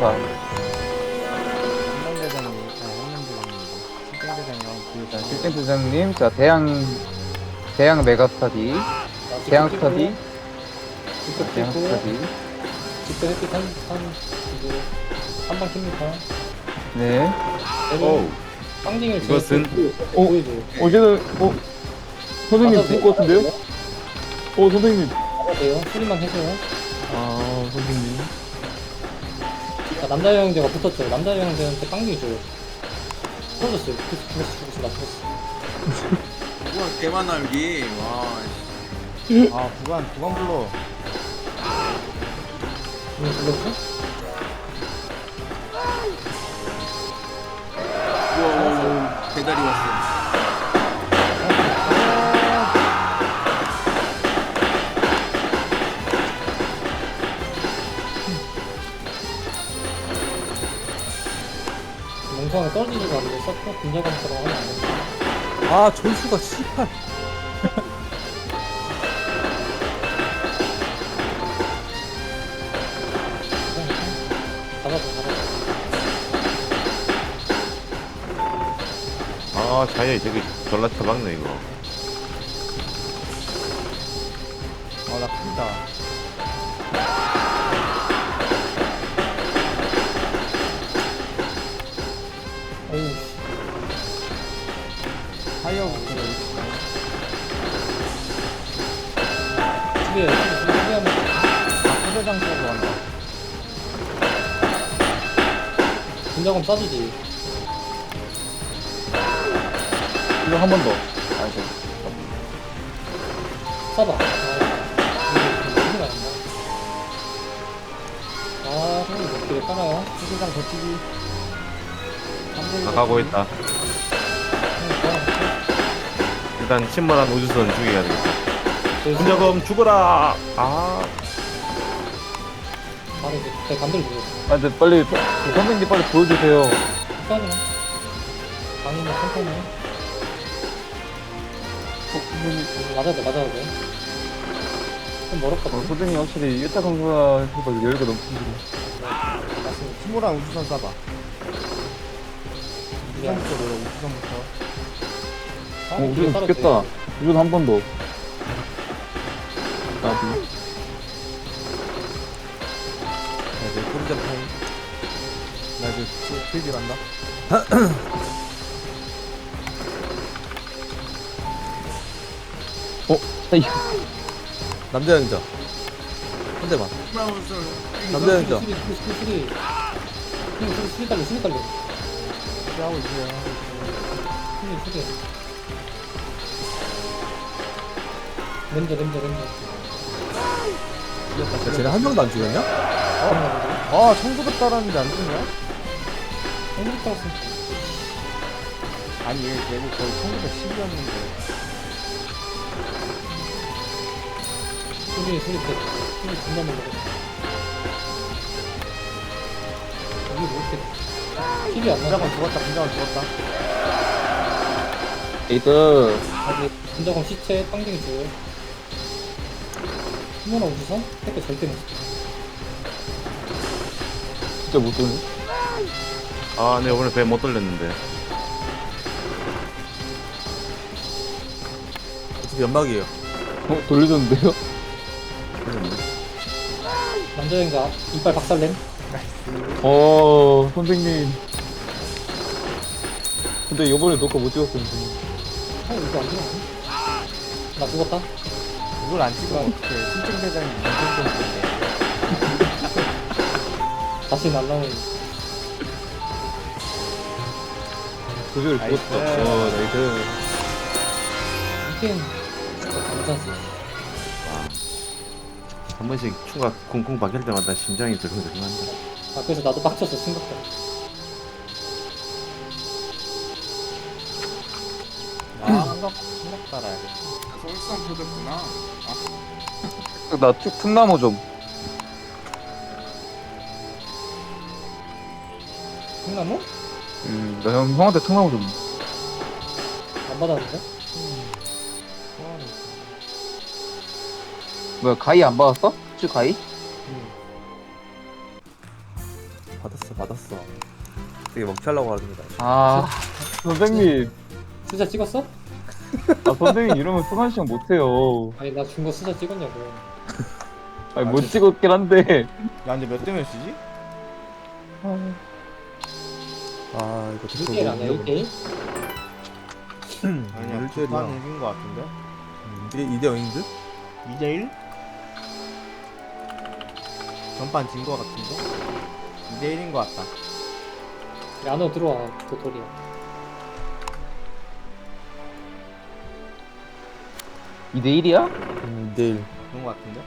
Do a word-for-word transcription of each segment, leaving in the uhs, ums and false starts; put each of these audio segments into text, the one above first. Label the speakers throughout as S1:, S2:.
S1: 파.
S2: 한남대장님, 아, 한남대장님이고. 실장대장님,
S1: 자,
S2: 그,
S1: 실장 대장님, 자, 대양, 대양 메가스타디, 대양 스타디,
S3: 직접
S1: 대양
S3: 찍고
S1: 스타디.
S3: 직접 햇빛 한, 한, 이제 한방 킵니다.
S1: 네.
S3: 내려 빵딩을
S4: 이것은-
S3: 어? 보여줘요.
S5: 어제는 어 선생님
S3: 맞아도
S5: 죽을 것 같은데요?
S3: 돼요?
S5: 어 선생님.
S3: 맞아도 돼요. 소리만 해줘요.
S5: 아 선생님.
S3: 자, 남자 영웅제가 붙었죠. 남자 영웅제한테 빵딩 줘요. 풀어줬어요. 그래서 죽었어, 죽었어, 나 죽었어.
S4: 우와 개만 날기. 와. 씨.
S2: 아, 구간, 구간 불러.
S3: 이거 불렀어?
S4: 우와 우와 우와. 배달이 왔어.
S3: 멍청하게 떨어지지도 않는데 서퍼 분자감처럼 하면 안 돼.
S2: 아, 전수가 씨발.
S3: 잡아줘, 잡아줘.
S6: 아 자야 저기 졸라 처박네 이거.
S2: 아, 나 큰다.
S3: 어우, 씨.
S2: 타이어부터
S3: 집에, 집에 하면
S2: 부대장 쪽으로 간다.
S3: 분자감 싸주지.
S1: 이거 한 번 더. 아, 저,
S3: 써봐. 아, 이거 큰일 났나? 아, 형님 몇 개를 깔아요?
S2: 부대장 버티기.
S6: 나가고 있다.
S3: 형님 좋아.
S6: 일단 침몰한 우주선 죽여야 되겠다.
S3: 저
S6: 분자검 죽어라. 아
S3: 바로 이제 제 반대로 누워.
S1: 아, 근데 빨리, 그 선생님 빨리 보여주세요.
S3: 끝까지만. 아니면 천천히. 음, 맞아야 돼, 맞아야 돼. 좀
S1: 어,
S3: 멀었거든.
S1: 선생님 확실히 일타 강사가 해서 여유가 넘치시네.
S3: 맞습니다.
S2: 티모랑 우주선 쏴봐.
S3: 미안.
S2: 우주선부터 노려, 우주선부터.
S3: 아,
S1: 어,
S3: 뒤에
S1: 우주선
S3: 따랐지.
S1: 죽겠다. 우주선 한 번 더. 나비.
S2: 나 이제 프리전 타임. 나 이제 필기 간다.
S1: 어? 아이,
S2: 남자 연자. 한 대만. 남자 연자.
S3: 수리, 수리, 수리, 수리. 수리, 수리, 수리 달려, 수리 달려.
S2: 하고 있어요.
S3: 수리, 수리. 렌저, 렌저, 렌저.
S2: 야, 쟤네 한 명도 안 죽였냐?
S3: 어?
S2: 아, 청소도 따랐는데 안 죽냐?
S3: 한국 따랐어.
S2: 아니, 얘 내고 거의 천구백십이었는데.
S3: 수리, 수리, 때. 수리 존나 놀라. 이게 뭐 이렇게. 킬이 안 나가.
S2: 분자건 죽었다, 분자건 죽었다.
S1: 에이드.
S3: 아직 분자검 시체 빵댕이 줘요. 휴머나 우주선? 택배 절대 못 써.
S1: 진짜 못 도네.
S6: 아, 네 오늘 배 못 돌렸는데.
S2: 어차피 연막이에요.
S1: 어, 돌려줬는데요?
S3: 남자 여행자 이빨 박살냄.
S1: 어, 선생님. 근데 이번에 녹화 못 찍었어요, 선생님.
S3: 어, 이거 안 되나? 나 죽었다.
S2: 이걸 안 찍으면 어떡해. 신청대장이 인생정인데.
S3: 다시 날라오는.
S1: 그걸
S2: 나이스.
S1: 죽었다. 어, 나이스.
S3: 이게 감사지.
S6: 한 번씩 추가 쿵쿵 박힐 때마다 심장이 들근들근한다.
S3: 아, 그래서 나도 빡쳤어, 생각보다.
S2: 아, 한각, 한각 따라야겠다.
S4: 설상 터졌구나.
S1: 나 특, 특나무 좀.
S3: 콩나무?
S1: 음, 나 형, 형한테 특나무 좀.
S3: 안 받았는데?
S1: 뭐야, 가위 안 받았어? chứ 가위?
S3: 응.
S2: 받았어 받았어. 되게 먹튀하려고 하는데.
S1: 아,
S5: 선생님.
S3: 수자 찍었어?
S5: 아, 선생님 이러면 승환 씨형 못해요.
S3: 아니 나 준 거 수자 찍었냐고.
S5: 아니, 못 찍었긴 한데.
S7: 야 근데 몇 대몇 쓰지?
S2: 아 이거
S3: 일 대일 아니야 일 대일?
S7: 아니야
S2: 일 대일이야.
S7: 두판 이긴 거 같은데?
S2: 이대 이대 영인데?
S7: 이 대일? 전판 진 거 같은데? 이 대일인 거 같다.
S3: 안으로 들어와 도토리야.
S1: 이 대 일이야?
S2: 음, 이대 일.
S7: 그런 거 같은데?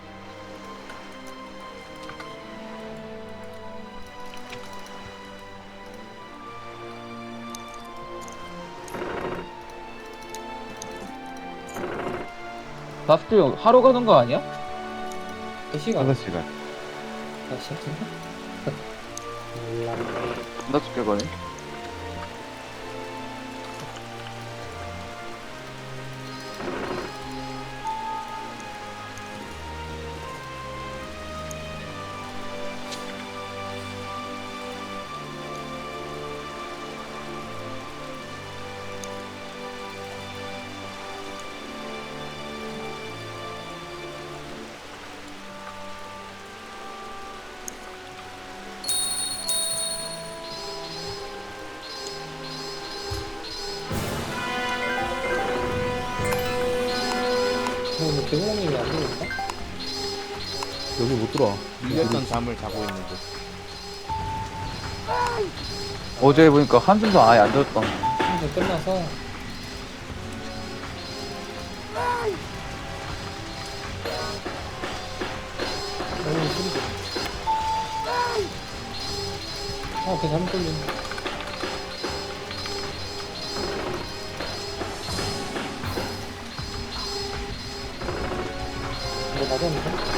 S1: 다스트 형 하러 가는 거 아니야?
S3: 몇 시간?
S6: 다섯 시간.
S3: 몇 시간? 몰라.
S1: 나 죽게 거네.
S3: 뭐 개구멍님이 안 들어올까?
S2: 여기 못 들어와.
S7: 밀렸던 잠을 자고 있는데.
S1: 어제 보니까 한숨도 아예 안 잤던.
S3: 한번 끝나서 어우 소리 좀. 아, 걔 잘못 걸린. 이거 맞았는데?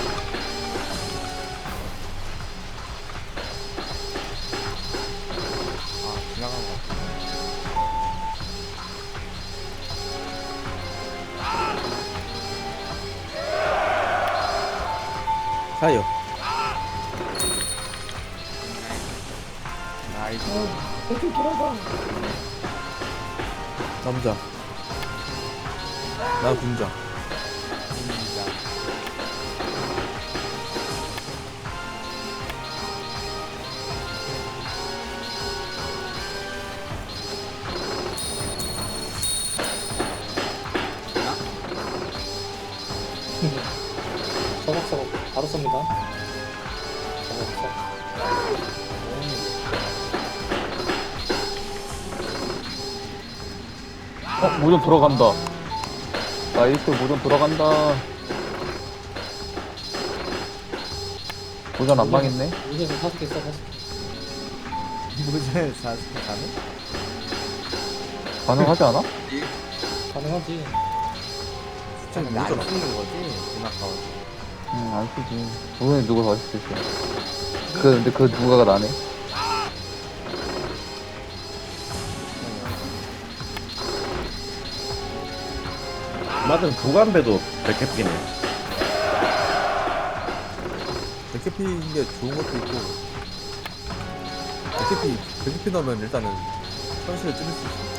S7: 아 지나간 거 같아.
S2: 사요.
S7: 나이스.
S3: 대충 돌아가.
S2: 남자. 나 군자.
S7: 진짜.
S3: 서걱서걱 바로 쏩니다. 서걱서걱.
S1: 어, 모전 돌아간다. 나이스, 모전 돌아간다. 모전 안 망했네.
S3: 이제서 다섯 개 써, 다섯 개.
S7: 무슨 사스케 가는?
S1: 가능하지 않아?
S3: 가능하지.
S7: 좀
S2: 근데
S7: 안
S2: 모자라.
S7: 쓰는 거지? 지나가고.
S1: 응, 안 쓰지. 모전에 누가 더 있을 수 있어. 그, 근데 그 누가가 나네.
S6: 맞은 부간배도 백해피네.
S2: 백해피인 게 좋은 것도 있고. 백해피 백해피 넣으면 일단은 현실을 찌를 수 있어.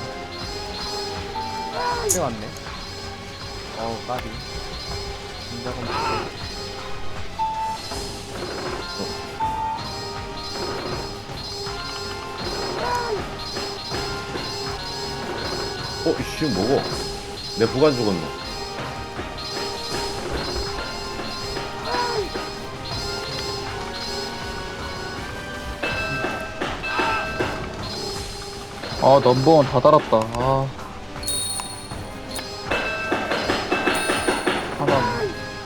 S7: 꽤 왔네. 어우 까비. 진작은
S6: 어, 이씨, 뭐고? 내 부간 죽었노.
S1: 아, 넘버원 다 달았다. 아. 하나.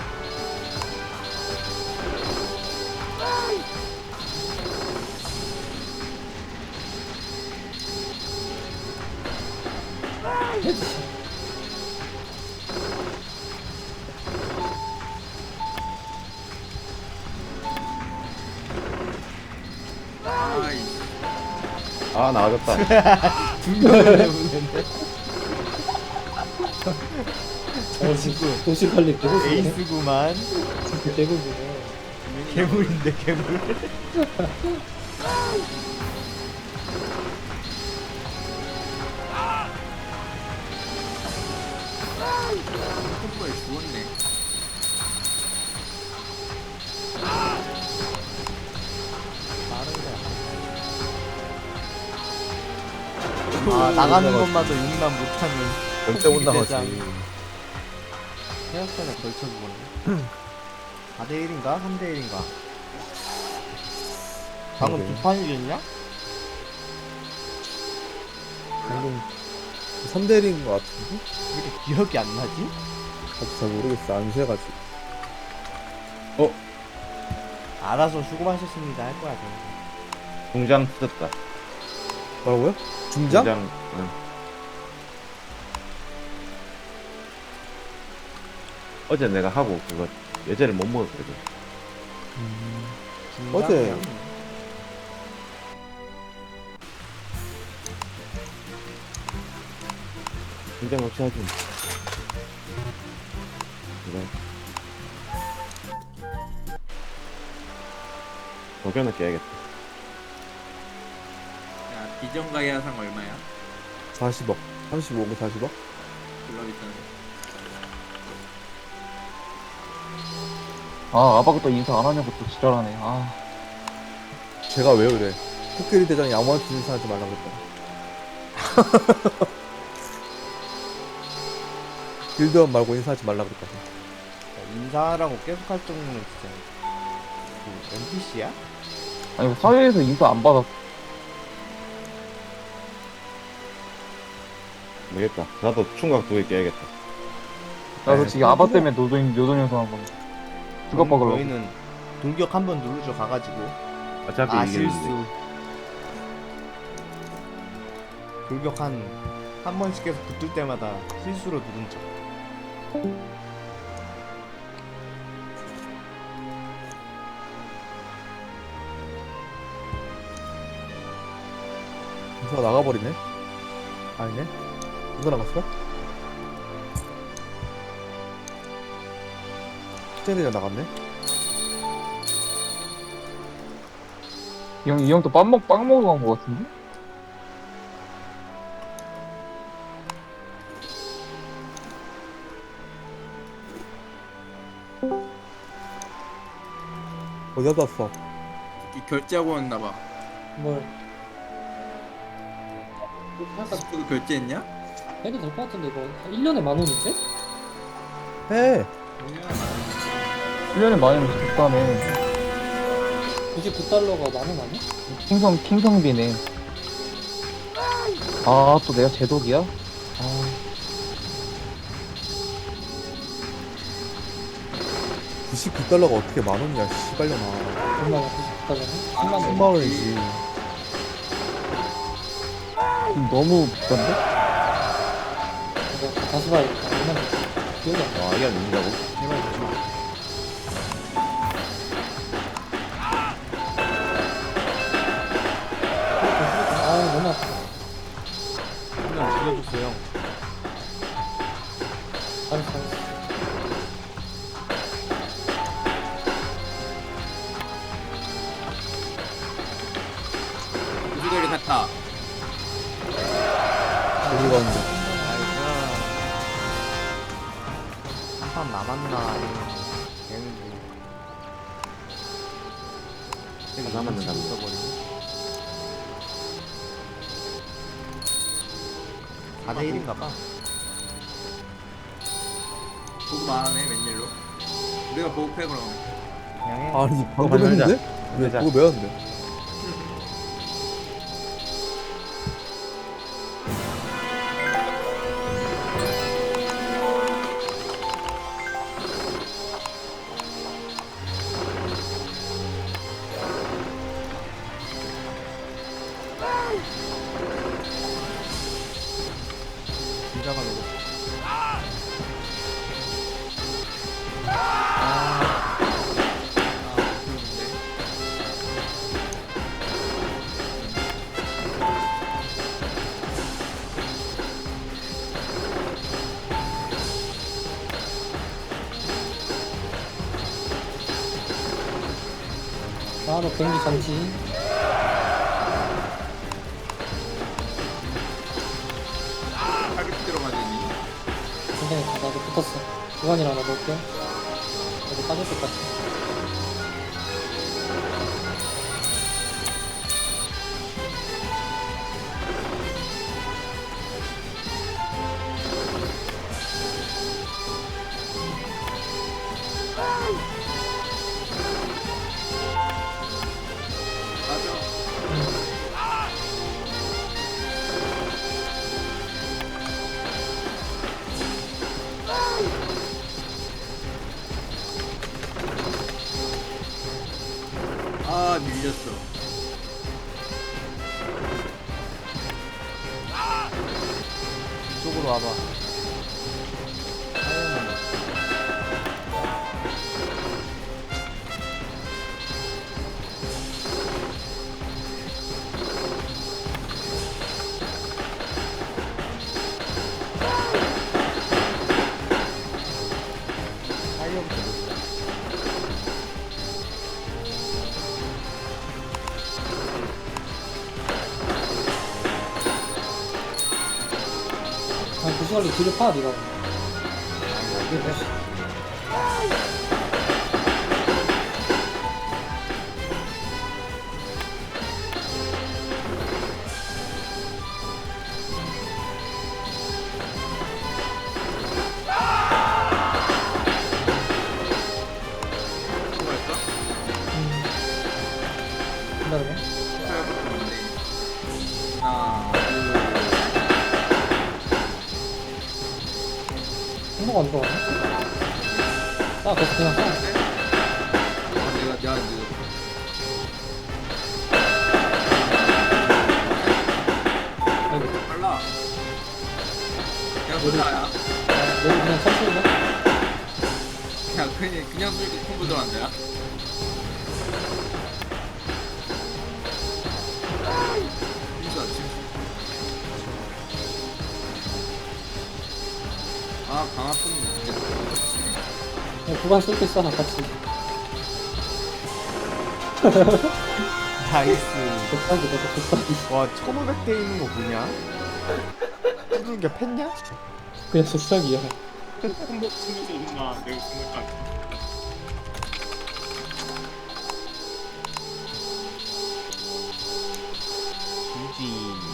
S4: 아이
S6: 아, 나와줬다.
S7: 분명히 해보는데.
S3: 어, 지금 도시 관리 개고수네.
S7: 에이스구만.
S3: 진짜 개고수네.
S7: 괴물인데 괴물.
S4: 콤보에 죽었네.
S7: 아 나가는 것마저 용납 못하는
S2: 절대 못 나가지.
S7: 대장. 생각보다 걸쳐 죽었네. 사 대 일인가? 삼 대 일인가? 방금 두 판이겠냐?
S2: 방금 삼 대 일인 것 같은데?
S7: 왜 이렇게 기억이 안 나지?
S2: 나도 잘 모르겠어. 안 세가지고.
S7: 알아서 수고하셨습니다 할 거야 저.
S6: 공장 터졌다.
S2: 뭐라고요? 중장?
S6: 공장. 응. 어제 내가 하고 그거 예제를 못 먹었거든.
S2: 어제
S6: 공장 없이 하지. 그래. 도견을 깨야겠다.
S4: 야, 비정가의 하상 얼마야?
S2: 사십억. 삼십오억 사십억?
S4: 졸라 비싸네.
S1: 아 아바가 또 인사 안 하냐고 또 지랄하네. 아
S2: 제가 왜 그래? 코끼리 대장이 아무한테 인사하지 말라고 그랬다. 길드원 말고 인사하지 말라고 그랬다.
S7: 인사하라고 계속 할 정도면 진짜 그 엔피씨야?
S1: 아니 사회에서 인사 안 받았어.
S6: 모르겠다. 나도 충각 두 개 깨야겠다.
S1: 나도
S2: 네,
S1: 지금 아바 때문에 노동 노동 요소한 건데. 그것 박으려고.
S7: 저희는 돌격 한 번 누르죠 가가지고
S6: 어차피
S7: 아
S6: 이기는데.
S7: 실수 돌격 한 한 번씩 계속 붙을 때마다 실수로 누른 척.
S2: 인사가 나가버리네? 아니네? 누가 나갔어? 코끼리 대장 나갔네?
S1: 이 형, 이 형 또 빵 먹, 빵 먹으러 간 거 같은데?
S2: 어디 갔다 왔어?
S4: 이 결제하고 왔나봐.
S3: 뭘 할까
S4: 스프도 결제했냐?
S3: 해도 될 것 같은데 이거 일 년에 만 원인데?
S2: 해!
S1: 일 년에 많이 하면 비싸네.
S3: 구십구 달러가 만 원 아니야?
S1: 킹성, 킹성비네. 아, 또 내가 제독이야? 아,
S2: 구십구 달러가 어떻게 만 원이야, 씨발려나.
S3: 얼마야 구십구 달러는? 십만 원.
S2: 천만 원이지.
S1: 지금 너무 비싼데?
S3: 이거 다시 봐야겠다. 얼마나 기억이 안 나.
S6: 와, 이게 아닌다고?
S3: 제발 보지. 아 너무 아파.
S7: 한명 죽여줬어요.
S3: 알았어 알았어.
S4: 우주대리 갔다.
S2: 어디 갔는데?
S7: 한판 남았나 아니면 되는지.
S6: 한 남았는가 보다.
S7: 써버리고. 사 대 일인가봐.
S4: 보급 안 하네, 웬일로. 우리가 보급해, 그럼.
S7: 그냥 해.
S2: 아니, 방금
S6: 그만
S2: 했는데? 왜,
S6: 하자.
S2: 그거 왜 하는데?
S7: 긴장을 내고.
S3: 바로 경기 전지. 나도 붙었어. 구간이랑 하나 넣을게. 여기 빠질 것 같아.
S4: 아 밀렸어.
S2: 이쪽으로 와봐. 타이어부터 놓자.
S3: 아, 구수관리 뒤를 파, 니가. 이게 돼.
S4: 수고했어?
S3: 음. 기다려봐.
S4: 수고해봤어 뭔데? 하나
S3: 행복 안 들어가네? 싸, 계속 그냥 싸.
S4: 둘 내가 내가 이제
S3: 아이고.
S4: 빨라. 그냥 쏘자야.
S3: 아, 너도 그냥 천천히 해.
S4: 그냥 그냥 그냥 쏘니까 콤보 들어간다야. 진짜 지금. 아 강화 쏘는 진짜.
S3: 그냥 구간 쏠때 싸, 같이.
S7: 나이스.
S3: 독박이, 너도 독박이.
S7: 와 천오백 대 있는 거 뭐냐? 푸르게 팼냐?
S3: 그냥 독박이야.
S4: 콤보 쓰면서 온나 내가 콤보까지.
S7: 유지.